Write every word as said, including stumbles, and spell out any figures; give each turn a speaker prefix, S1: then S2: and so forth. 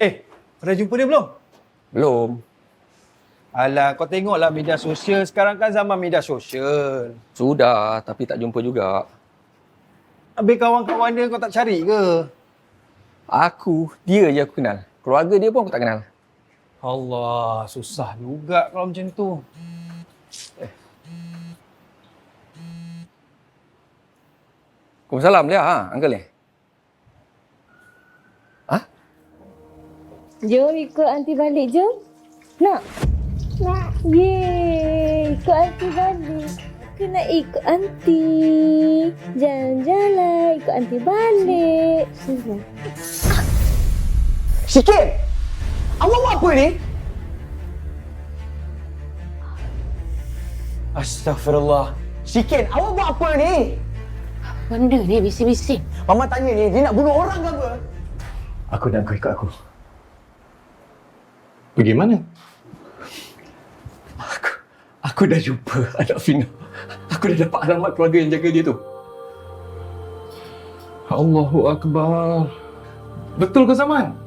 S1: Eh, dah jumpa dia belum?
S2: Belum.
S1: Alah, kau tengoklah media sosial. Sekarang kan zaman media sosial.
S2: Sudah, tapi tak jumpa juga.
S1: Habis kawan-kawan dia kau tak cari ke?
S2: Aku, dia je aku kenal. Keluarga dia pun aku tak kenal.
S1: Allah, susah juga kalau macam tu.
S2: Waalaikumsalam dia, ha, uncle ni. Ha?
S3: Jom ikut aunty balik, jom. Nak? Nak. Yeay, ikut aunty balik. Aku nak ikut aunty. Jalan-jalan, ikut aunty balik. Sini.
S4: Sikit! Awak buat apa ni? Astaghfirullah. Sikit, awak buat apa ni?
S5: Benda ni bising-bising.
S4: Mama tanya ni, dia nak bunuh orang ke apa?
S6: Aku nak kau ikut aku. Pergi mana? Aku, aku dah jumpa anak Fina. Aku dah dapat alamat keluarga yang jaga dia tu. Allahu Akbar. Betul ke Zaman?